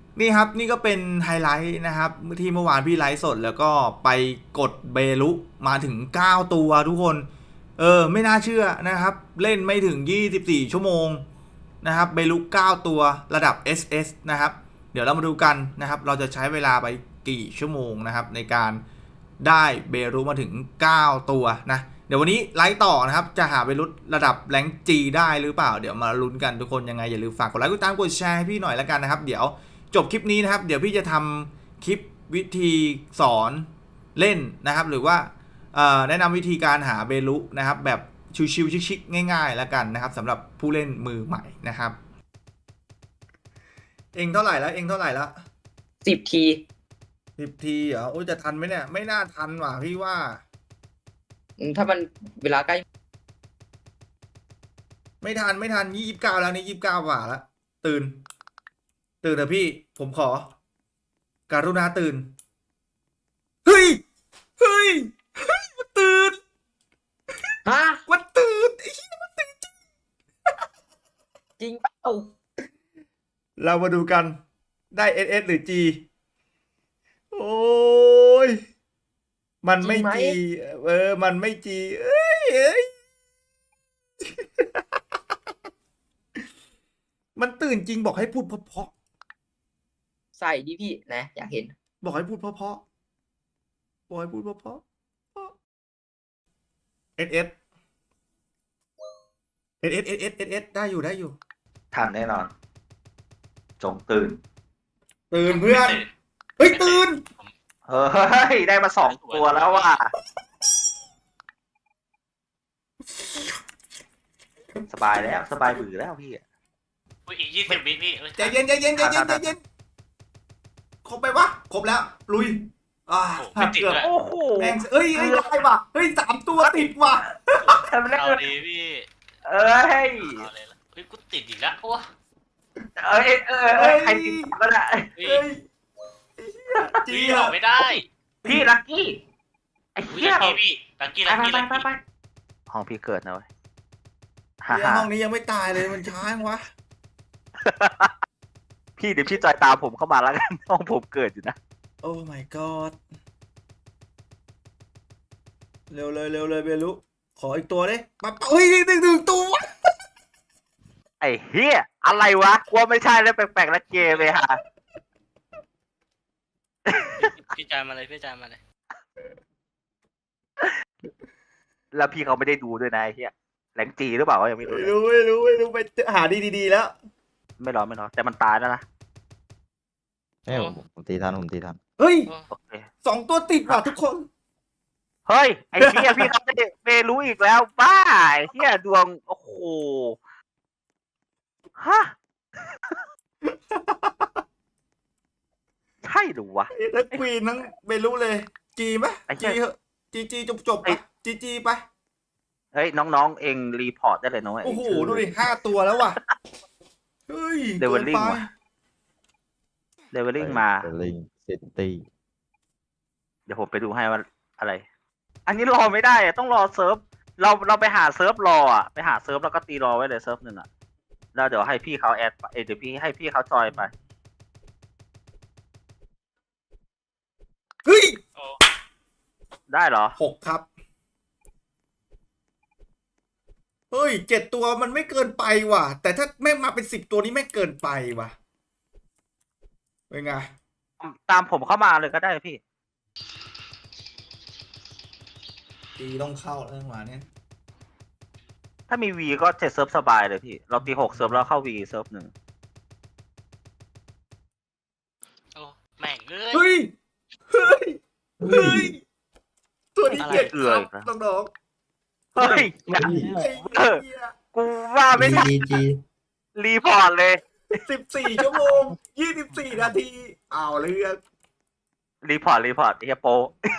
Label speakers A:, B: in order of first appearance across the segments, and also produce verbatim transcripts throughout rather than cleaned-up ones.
A: นี่ครับนี่ก็เป็นไฮไลท์นะครับที่เมื่อวานพี่ไลฟ์สดแล้วก็ไปกดเบลุมาถึงเก้าตัวทุกคนเออไม่น่าเชื่อนะครับเล่นไม่ถึงยี่สิบสี่ชั่วโมงนะครับเบลุเก้าตัวระดับ เอส เอส นะครับเดี๋ยวเรามาดูกันนะครับเราจะใช้เวลาไปกี่ชั่วโมงนะครับในการได้เบรุมาถึงเก้าตัวนะเดี๋ยววันนี้ไลฟ์ต่อนะครับจะหาเบรุระดับแรงจีได้หรือเปล่าเดี๋ยวมาลุ้นกันทุกคนยังไงอย่าลืมฝากกดไลค์กดติดตามกดแชร์ให้พี่หน่อยแล้วกันนะครับเดี๋ยว จบคลิปนี้นะครับเดี๋ยวพี่จะทำคลิปวิธีสอนเล่นนะครับหรือว่าแนะนำวิธีการหาเบลุนะครับแบบชิวๆชิคๆง่ายๆแล้วกันนะครับสำหรับผู้เล่นมือใหม่นะครับเองเท่าไหร่แล้วเองเท่าไหร่แล้ว
B: สิบที
A: สิบทีเหรอโอ้ยจะทันไหมเนี่ยไม่น่าทันว่ะพี่ว่า
B: ถ้ามันเวลาใกล้
A: ไม่ทันไม่ทันยี่สิบเก้าแล้วนี่ยี่สิบเก้าว่าแล้วตื่นตื่นเถอะพี่ผมขอการุณาตื่นเฮ้ยเฮ้ยเฮ้ยมันตื่น
B: ฮะ
A: มันตื่นไอ้เหี้ยมันตื่นจริง
B: จริงเปล่า
A: เรามาดูกันได้ เอส เอส หรือ G โอ้ยมันไม่ G เออมันไม่ G เอ้ยเอ้ยมันตื่นจริงบอกให้พูดเพราะ
B: ใส่ดิพี่นะอยากเห็น
A: ๆบอกให้พูดเพราะๆบอกให้พูดเพราะๆ เอส เอส เอส เอส เอส เอส เอส เอส ได้อยู่ได้อยู่
C: ทันแน่นอน จงตื่น
A: ตื่นเพื่อนเฮ้ยตื่น
C: เฮ้ย ได้มาสองตัวแล้วว่ะสบายแล้วสบายบือแล้วพี่
D: อุ้ยอีกยี่สิบวิพี่
A: ใจเย็นใจเย็นใจเย็นใจเย็นครบไปวะครบแล้วลุยอ่าเกือบ
C: โอ้โห
A: แม่งเอ้ยเอ้ยได้ว่ะเฮ้ยสามตัวติดว่ะ
D: เอาดีพี่
C: เอ้ย
D: เอาเลยละเฮ้ยกูติดอีกแล้วโอ้
C: เอ้ยเออเอ้ยใครติดก็ได้
A: เฮ้ย
D: จีออกไม่ได้
C: พี่ลักกี้ไอ้เหี้ย
D: พี่ลักกี้ลักกี้ลักกี้
C: ไปห้องพี่เกิดนะเว้ย
A: ห้องนี้ยังไม่ตายเลยมันช้างวะ
C: พี่เดี๋ยวพี่จอยตามผมเข้ามาแล้วกันห้องผมเกิดอยู่นะ
A: โอ้ my god เร็วเลยเร็วเลยเบลุขออีกตัวดิมาเฮ้ยหนึ่งหนึ่งตัว
C: ไอ้เฮียอะไรวะกลัวไม่ใช่แล้วแปลกๆแล้วเกมเลยฮะ
D: พี่จานมาเลยพี่จานมาเลย
C: แล้วพี่เขาไม่ได้ดูด้วยนะไอ้เฮียแหลงจีหรือเปล่ายังไม่รู้
A: ไม่รู้ไม่รู้ไม่รู้ไปหาดีๆแล้ว
C: ไม่รอไม่รอแต่มันตายแล้วนะ
E: เอ้ยผมผมตีทันผมตีทัน
A: เฮ้ยสองตัวติดว่ะทุกคน
C: เฮ้ยไอ้เฮียพี่เขาไม่ได้ไม่รู้อีกแล้วบ้าไอ้เฮียดวงโอ้โหฮะใช่หรือวะ
A: ทั้งควีนทั้งไม่รู้เลยจีไหมจีเหอะจีจีจบจบไปจีจีไป
C: เฮ้ยน้องๆเองรีพอร์ตได้เลยน้อง
A: โอ้โหดูดิห้าตัวแล้วว่ะเฮ้ย
C: เลเวลลิ่งว่ะเลเวลลิ่งมา
E: เลเวลลิ่งซิตี้
C: เดี๋ยวผมไปดูให้ว่าอะไรอันนี้รอไม่ได้อะต้องรอเซิร์ฟเราเราไปหาเซิร์ฟรออ่ะไปหาเซิร์ฟแล้วก็ตีรอไว้เลยเซิร์ฟหนึ่งอ่ะแล้วเดี๋ยวให้พี่เขาแอดเดี๋ยวพี่ให้พี่เขาจอยไป
A: เฮ้ย
C: ได้เหรอ
A: หกครับเฮ้ยเจ็ดตัวมันไม่เกินไปว่ะแต่ถ้าแม่งมาเป็นสิบตัวนี้ไม่เกินไปว่ะเป็นไง
C: ตามผมเข้ามาเลยก็ได้พี่
A: ตีต้องเข้าเรื่องมาเนี่ย
C: ถ้ามีวีก็เจ็ดเซิร์ฟสบายเลยพี่เราตีหกเซิร์ฟแล้วเข้าวีเซิร์ฟหนึ่ง
D: โอ้แม่งเล
A: ยเฮ้ยเฮ้ยเฮ้ยตัวนี้เจ็ดครับน้อง
C: เฮ้ยกูว่าไม่ใช่รีพอร์ตเลย
A: สิบสี่ชั่วโมงยี่สิบสี่นาทีเอาเรื่อง
C: รีพอร์ตรีพอร์ตเฮียโป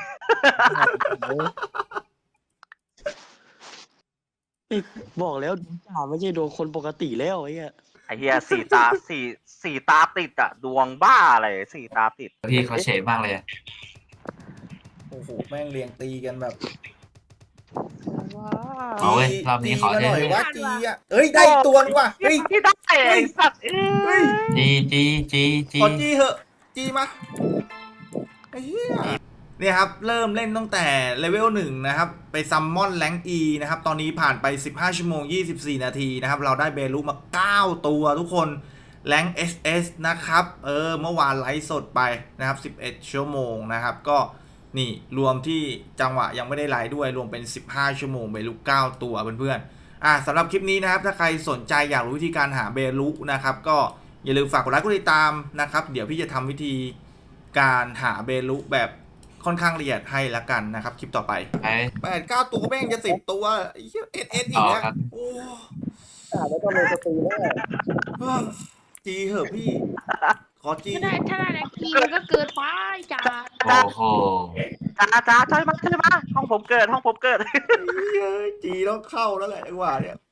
F: บอกแล้วจ่าไม่ใช่ดวงคนปกติแล้วไอ้เหี้ย
C: ไอ้เฮียสี่ตาสี่สี่ตาติดอะดวงบ้าอะไรสี่ตาติด
G: พี่เขาเฉยมากเลย
A: โอ้โหแม่งเรียงตีกันแบบ
G: เอาเว้ยรอบนี้ขอ
A: จีมาหน่อย
G: เท่
A: ว่าจีอ่ะเอ้ยได้ตัวนึงว่ะเฮ้ย
C: ที่ได้ไอ้สัตว์เอ้
A: เฮ้ย
C: ย
G: จีจีจีจี
A: ขอจีเหอะจีมาไอ้เหี้ยเนี่ยครับเริ่มเล่นตั้งแต่เลเวลหนึ่งนะครับไปซัมมอนแรงอีนะครับตอนนี้ผ่านไปสิบห้าชั่วโมงยี่สิบสี่นาทีนะครับเราได้เบลูมาเก้าตัวทุกคนแรง เอส เอส นะครับเออเมื่อวานไลฟ์สดไปนะครับสิบเอ็ดชั่วโมงนะครับก็นี่รวมที่จังหวะยังไม่ได้ไลฟ์ด้วยรวมเป็นสิบห้าชั่วโมงเบลูเก้าตัวเพื่อนๆอ่ะสำหรับคลิปนี้นะครับถ้าใครสนใจอยากรู้วิธีการหาเบลูนะครับก็อย่าลืมฝากกดไลค์กดติดตามนะครับเดี๋ยวพี่จะทำวิธีการหาเบลูแบบค่อนข้างละเอียดให้ละกันนะครับคลิปต่อไป
G: ไป
A: แปดเก้าตัวแม่งจะสิบตัวไอ้เหี้ยเอสเอสอีก
G: ต่
A: แล้
G: อ
A: ว
G: ครับ
A: โอ้
F: แล้วก็เลยสตรีแล้ว
A: เฮ้ยจีเหอะพี่ ขอจี
H: ถ้าได้ถ้าได้แรงกีมันก็เกินไปจ้า
G: โอ้โห
C: จ้าจ้าใช่ไหมใช่ไหมห้องผมเกิดห้องผมเกิด
A: เฮ้ยจีต้องเข้าแล้วแหละจังหวะเนี่ย